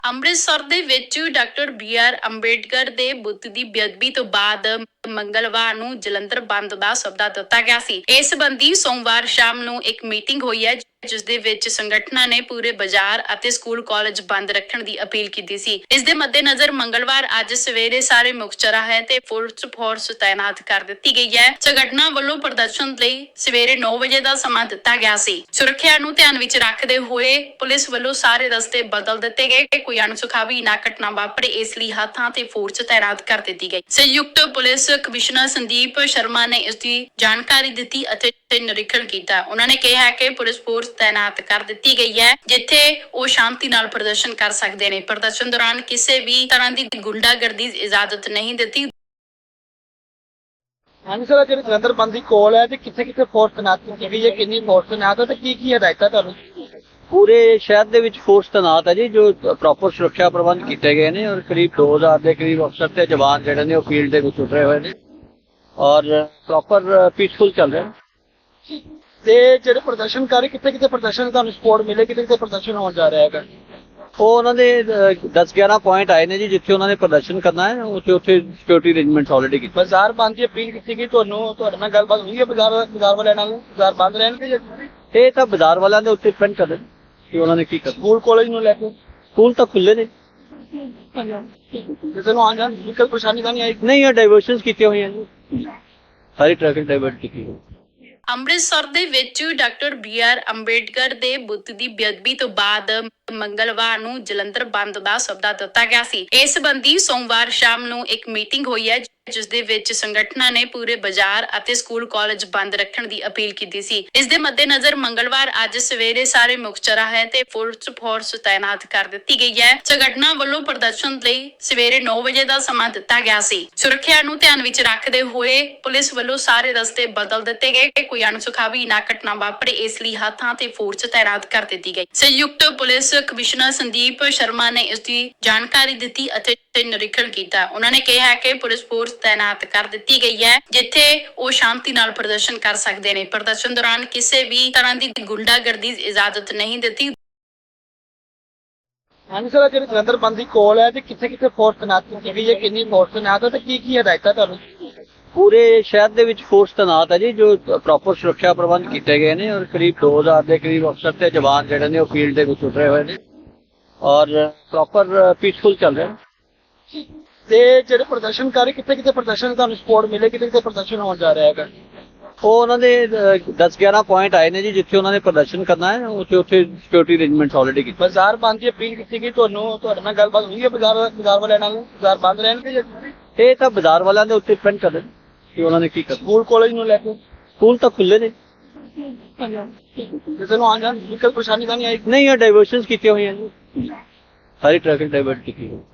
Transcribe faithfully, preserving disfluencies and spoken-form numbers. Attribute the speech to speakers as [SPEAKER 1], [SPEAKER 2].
[SPEAKER 1] ਅੰਮ੍ਰਿਤਸਰ ਦੇ ਵਿੱਚ doctor B R Ambedkar ਦੇ ਬੁੱਤ ਦੀ ਬੇਅਦਬੀ ਤੋਂ ਬਾਅਦ ਮੰਗਲਵਾਰ ਨੂੰ ਜਲੰਧਰ ਬੰਦ ਦਾ ਸੱਦਾ ਦਿੱਤਾ ਗਿਆ ਸੀ। ਇਸ ਸੰਬੰਧੀ ਸੋਮਵਾਰ ਸ਼ਾਮ ਨੂੰ ਇੱਕ ਮੀਟਿੰਗ ਹੋਈ ਹੈ ਜਿਸ ਦੇ ਵਿੱਚ ਸੰਗਠਨਾਂ ਨੇ ਪੂਰੇ ਬਾਜ਼ਾਰ ਅਤੇ ਸਕੂਲ ਕਾਲਜ ਬੰਦ ਰੱਖਣ ਦੀ ਅਪੀਲ ਕੀਤੀ ਸੀ। ਇਸ ਦੇ ਮੱਦੇਨਜ਼ਰ ਮੰਗਲਵਾਰ ਅੱਜ ਸਵੇਰੇ ਸਾਰੇ ਮੁੱਖ ਚੌਰਾਹੇ ਤੇ ਪੁਲਿਸ ਫੋਰਸ ਤਾਇਨਾਤ ਕਰ ਦਿੱਤੀ ਗਈ ਹੈ। ਸੰਗਠਨਾਂ ਵੱਲੋਂ ਪ੍ਰਦਰਸ਼ਨ ਲਈ ਸਵੇਰੇ ਨੌ ਵਜੇ ਦਾ ਸਮਾਂ ਦਿੱਤਾ ਗਿਆ ਸੀ। ਸੁਰੱਖਿਆ ਨੂੰ ਧਿਆਨ ਵਿੱਚ ਰੱਖਦੇ ਹੋਏ ਪੁਲਿਸ ਵੱਲੋਂ ਸਾਰੇ ਰਸਤੇ ਬਦਲ ਦਿੱਤੇ ਗਏ। ਕੋਈ ਅਣਸੁਖਾਵੀ ਨਾ ਘਟਨਾ ਵਾਪਰੇ ਇਸ ਲਈ ਹੱਥਾਂ ਤੇ ਫੋਰਸ ਤਾਇਨਾਤ ਕਰ ਦਿੱਤੀ ਗਈ। ਸੰਯੁਕਤ ਪੁਲਿਸ ਕਮਿਸ਼ਨਰ ਸੰਦੀਪ ਸ਼ਰਮਾ ਨੇ ਇਸ ਦੀ ਜਾਣਕਾਰੀ ਦਿੱਤੀ ਅਤੇ ਨਿਰੀਖਣ ਕੀਤਾ। ਉਹਨਾਂ ਨੇ ਕਿਹਾ ਕਿ ਪੁਲਿਸ ਫੋਰਸ ਤਾਇਨਾਤ ਕਰ ਦਿੱਤੀ ਗਈ ਹੈ ਜਿੱਥੇ ਉਹ ਸ਼ਾਂਤੀ ਨਾਲ ਪ੍ਰਦਰਸ਼ਨ ਕਰ ਸਕਦੇ ਨੇ। ਪ੍ਰਦਰਸ਼ਨ ਦੌਰਾਨ ਕਿਸੇ ਵੀ ਤਰ੍ਹਾਂ ਦੀ ਗੁੰਡਾਗਰਦੀ ਦੀ ਇਜਾਜ਼ਤ ਨਹੀਂ ਦਿੱਤੀ।
[SPEAKER 2] ਹਾਂਜੀ ਸਰ, ਜਿਹੜੀ ਜਲੰਧਰ ਬੰਦ ਦੀ ਕੋਲ ਹੈ ਤੇ ਕਿੱਥੇ ਕਿੱਥੇ ਫੋਰਸ ਤੈਨਾਤ ਕੀਤੀ ਗਈ ਹੈ, ਕਿੰਨੀ ਫੋਰਸ ਤੈਨਾਤ ਹੈ ਤੇ ਕੀ ਕੀ ਹਦਾਇਤਾਂ ਤੁਹਾਨੂੰ?
[SPEAKER 3] ਪੂਰੇ ਸ਼ਹਿਰ ਦੇ ਵਿੱਚ ਫੋਰਸ ਤੈਨਾਤ ਹੈ ਜੀ, ਜੋ ਪ੍ਰੋਪਰ ਸੁਰੱਖਿਆ ਪ੍ਰਬੰਧ ਕੀਤੇ ਗਏ ਨੇ ਔਰ ਕਰੀਬ ਦੋ ਹਜ਼ਾਰ ਦੇ ਕਰੀਬ ਅਫਸਰ ਤੇ ਜਵਾਨ ਜਿਹੜੇ ਨੇ ਉਹ ਫੀਲਡ ਦੇ ਵਿੱਚ ਉਤਰੇ ਹੋਏ ਨੇ ਔਰ ਪ੍ਰੋਪਰ ਪੀਸਫੁਲ ਚੱਲ ਰਿਹਾ।
[SPEAKER 2] ਤੇ ਜਿਹੜੇ ਪ੍ਰਦਰਸ਼ਨਕਾਰੀ ਕਿੱਥੇ ਕਿੱਥੇ ਪ੍ਰਦਰਸ਼ਨ ਤੁਹਾਨੂੰ ਸਪੋਰਟ ਮਿਲੇ, ਕਿੱਥੇ ਕਿੱਥੇ ਪ੍ਰਦਰਸ਼ਨ ਹੋਣ ਜਾ ਰਿਹਾ ਹੈਗਾ?
[SPEAKER 3] ਉਹ ਉਹਨਾਂ ਦੇ ਦਸ ਗਿਆਰਾਂ ਪੁਆਇੰਟ ਆਏ ਨੇ ਜੀ ਜਿੱਥੇ ਉਹਨਾਂ ਨੇ ਪ੍ਰਦਰਸ਼ਨ ਕਰਨਾ ਹੈ, ਉੱਥੇ ਉੱਥੇ ਸਿਕਿਉਰਿਟੀ ਅਰੇਂਜਮੈਂਟਸ ਆਲਰੇਡੀ ਕੀਤੇ।
[SPEAKER 2] ਬਾਜ਼ਾਰ ਬੰਦ ਦੀ ਅਪੀਲ ਕੀਤੀ ਗਈ ਤੁਹਾਨੂੰ, ਤੁਹਾਡੇ ਨਾਲ ਗੱਲਬਾਤ ਹੋਈ ਹੈ ਬਾਜ਼ਾਰ ਬਾਜ਼ਾਰ ਵਾਲਿਆਂ ਨਾਲ? ਬਾਜ਼ਾਰ ਬੰਦ ਰਹਿਣਗੇ ਜਾਂ
[SPEAKER 3] ਇਹ ਤਾਂ ਬਾਜ਼ਾਰ ਵਾਲਿਆਂ ਦੇ ਉੱਤੇ ਡਿਪੈਂਡ ਕਰਦੇ ਕਿ ਉਹਨਾਂ ਨੇ ਕੀ ਕਰਨਾ।
[SPEAKER 2] ਸਕੂਲ ਕਾਲਜ ਨੂੰ ਲੈ ਕੇ
[SPEAKER 3] ਸਕੂਲ ਤਾਂ ਖੁੱਲੇ ਨੇ,
[SPEAKER 2] ਕਿਸੇ ਨੂੰ ਆਉਣ ਜਾਣ ਦੀ ਕੋਈ ਪਰੇਸ਼ਾਨੀ ਤਾਂ ਨਹੀਂ ਆਈ?
[SPEAKER 3] ਨਹੀਂ ਇਹ ਡਾਇਵਰਸ਼ਨਸ ਕੀਤੀਆਂ ਹੋਈਆਂ ਜੀ, ਸਾਰੀ ਟ੍ਰੈਫਿਕ ਡਾਇਵਰਟ ਕੀਤੀ ਹੋਈ।
[SPEAKER 1] ਅੰਮ੍ਰਿਤਸਰ ਦੇ ਵਿੱਚ ਡਾਕਟਰ ਬੀ ਆਰ ਅੰਬੇਡਕਰ ਦੇ ਬੁੱਤ ਦੀ ਬੇਅਦਬੀ ਤੋਂ ਬਾਅਦ ਮੰਗਲਵਾਰ ਨੂੰ ਜਲੰਧਰ ਬੰਦ ਦਾ ਸੱਦਾ ਦਿੱਤਾ ਗਿਆ ਸੀ। ਇਸ ਸੰਬੰਧੀ ਸੋਮਵਾਰ ਸ਼ਾਮ ਨੂੰ ਇੱਕ ਮੀਟਿੰਗ ਹੋਈ ਹੈ ਜਿਸ ਦੇ ਵਿੱਚ ਸੰਗਠਨਾਂ ਨੇ ਪੂਰੇ ਬਾਜ਼ਾਰ ਅਤੇ ਸਕੂਲ ਕਾਲਜ ਬੰਦ ਰੱਖਣ ਦੀ ਅਪੀਲ ਕੀਤੀ ਸੀ। ਇਸ ਦੇ ਮੱਦੇਨਜ਼ਰ ਮੰਗਲਵਾਰ ਅੱਜ ਸਵੇਰੇ ਸਾਰੇ ਮੁੱਖ ਚੌਰਾਹੇ ਤੇ ਪੁਲਿਸ ਫੋਰਸ ਤਾਇਨਾਤ ਕਰ ਦਿੱਤੀ ਗਈ ਹੈ। ਸੰਗਠਨਾਂ ਵੱਲੋਂ ਪ੍ਰਦਰਸ਼ਨ ਲਈ ਸਵੇਰੇ ਨੌ ਵਜੇ ਦਾ ਸਮਾਂ ਦਿੱਤਾ ਗਿਆ ਸੀ। ਸੁਰੱਖਿਆ ਨੂੰ ਧਿਆਨ ਵਿੱਚ ਰੱਖਦੇ ਹੋਏ ਪੁਲਿਸ ਵੱਲੋਂ ਸਾਰੇ ਰਸਤੇ ਬਦਲ ਦਿੱਤੇ ਗਏ। ਕੋਈ ਅਣਸੁਖਾਵੀ ਨਾ ਘਟਨਾ ਵਾਪਰੇ ਇਸ ਲਈ ਹੱਥਾਂ ਤੇ ਫੋਰਸ ਤਾਇਨਾਤ ਕਰ ਦਿੱਤੀ ਗਈ। ਸੰਯੁਕਤ ਪੁਲਿਸ ਕਮਿਸ਼ਨਰ ਸੰਦੀਪ ਸ਼ਰਮਾ ਨੇ ਇਸ ਦੀ ਜਾਣਕਾਰੀ ਦਿੱਤੀ ਅਤੇ ਨਿਰੀਖਣ ਕੀਤਾ। ਉਹਨਾਂ ਨੇ ਕਿਹਾ ਕਿ ਪੁਲਿਸ ਫੋਰਸ ਤਾਇਨਾਤ ਕਰ ਦਿੱਤੀ ਗਈ ਹੈ ਜਿੱਥੇ ਉਹ ਸ਼ਾਂਤੀ ਨਾਲ ਪ੍ਰਦਰਸ਼ਨ ਕਰ ਸਕਦੇ ਨੇ। ਪ੍ਰਦਰਸ਼ਨ ਦੌਰਾਨ ਕਿਸੇ ਵੀ ਤਰ੍ਹਾਂ ਦੀ ਗੁੰਡਾਗਰਦੀ ਦੀ ਇਜਾਜ਼ਤ ਨਹੀਂ ਦਿੱਤੀ।
[SPEAKER 2] ਹਾਂਜੀ ਸਰ, ਜਿਹੜੀ ਜਲੰਧਰ ਬੰਦ ਦੀ ਕੋਲ ਹੈ ਤੇ ਕਿੱਥੇ ਕਿੱਥੇ ਫੋਰਸ ਤੈਨਾਤ ਕੀਤੀ ਗਈ ਹੈ, ਕਿੰਨੀ ਫੋਰਸ ਤੈਨਾਤ ਹੈ ਤੇ ਕੀ ਕੀ ਹਦਾਇਤਾਂ ਤੁਹਾਨੂੰ?
[SPEAKER 3] ਪੂਰੇ ਸ਼ਹਿਰ ਦੇ ਵਿੱਚ ਫੋਰਸ ਤੈਨਾਤ ਹੈ ਜੀ, ਜੋ ਪ੍ਰੋਪਰ ਸੁਰੱਖਿਆ ਪ੍ਰਬੰਧ ਕੀਤੇ ਗਏ ਨੇ ਔਰ ਕਰੀਬ ਦੋ ਹਜ਼ਾਰ ਦੇ ਕਰੀਬ ਅਫਸਰ ਤੇ ਜਵਾਨ ਜਿਹੜੇ ਨੇ ਉਹ ਫੀਲਡ ਦੇ ਵਿੱਚ ਉਤਰੇ ਹੋਏ ਨੇ ਔਰ ਪ੍ਰੋਪਰ ਪੀਸਫੁਲ ਚੱਲ ਰਿਹਾ।
[SPEAKER 2] ਤੇ ਜਿਹੜੇ ਪ੍ਰਦਰਸ਼ਨਕਾਰੀ ਕਿੱਥੇ ਕਿੱਥੇ ਪ੍ਰਦਰਸ਼ਨ ਤੁਹਾਨੂੰ ਸਪੋਰਟ ਮਿਲੇ, ਕਿੱਥੇ ਕਿੱਥੇ ਪ੍ਰਦਰਸ਼ਨ ਹੋਣ ਜਾ ਰਿਹਾ ਹੈਗਾ?
[SPEAKER 3] ਉਹ ਉਹਨਾਂ ਦੇ ਦਸ ਗਿਆਰਾਂ ਪੁਆਇੰਟ ਆਏ ਨੇ ਜੀ ਜਿੱਥੇ ਉਹਨਾਂ ਨੇ ਪ੍ਰਦਰਸ਼ਨ ਕਰਨਾ ਹੈ, ਉੱਥੇ ਉੱਥੇ ਸਿਕਿਉਰਿਟੀ ਅਰੇਂਜਮੈਂਟਸ ਆਲਰੇਡੀ ਕੀਤੇ।
[SPEAKER 2] ਬਾਜ਼ਾਰ ਬੰਦ ਦੀ ਅਪੀਲ ਕੀਤੀ ਗਈ ਤੁਹਾਨੂੰ, ਤੁਹਾਡੇ ਨਾਲ ਗੱਲਬਾਤ ਹੋਈ ਹੈ ਬਾਜ਼ਾਰ ਬਾਜ਼ਾਰ ਵਾਲਿਆਂ ਨਾਲ? ਬਾਜ਼ਾਰ ਬੰਦ ਰਹਿਣਗੇ ਜਾਂ
[SPEAKER 3] ਇਹ ਤਾਂ ਬਾਜ਼ਾਰ ਵਾਲਿਆਂ ਦੇ ਉੱਤੇ ਡਿਪੈਂਡ ਕਰਦੇ ਕਿ ਉਹਨਾਂ ਨੇ ਕੀ ਕਰਨਾ।
[SPEAKER 2] ਸਕੂਲ ਕਾਲਜ ਨੂੰ ਲੈ ਕੇ
[SPEAKER 3] ਸਕੂਲ ਤਾਂ ਖੁੱਲੇ ਨੇ,
[SPEAKER 2] ਕਿਸੇ ਨੂੰ ਆਉਣ ਜਾਣ ਦੀ ਕੋਈ ਪਰੇਸ਼ਾਨੀ ਤਾਂ ਨਹੀਂ ਆਈ?
[SPEAKER 3] ਨਹੀਂ ਇਹ ਡਾਇਵਰਸ਼ਨਸ ਕੀਤੀਆਂ ਹੋਈਆਂ ਜੀ, ਸਾਰੀ ਟ੍ਰੈਫਿਕ ਡਾਇਵਰਟ ਕੀਤੀ ਹੋਈ।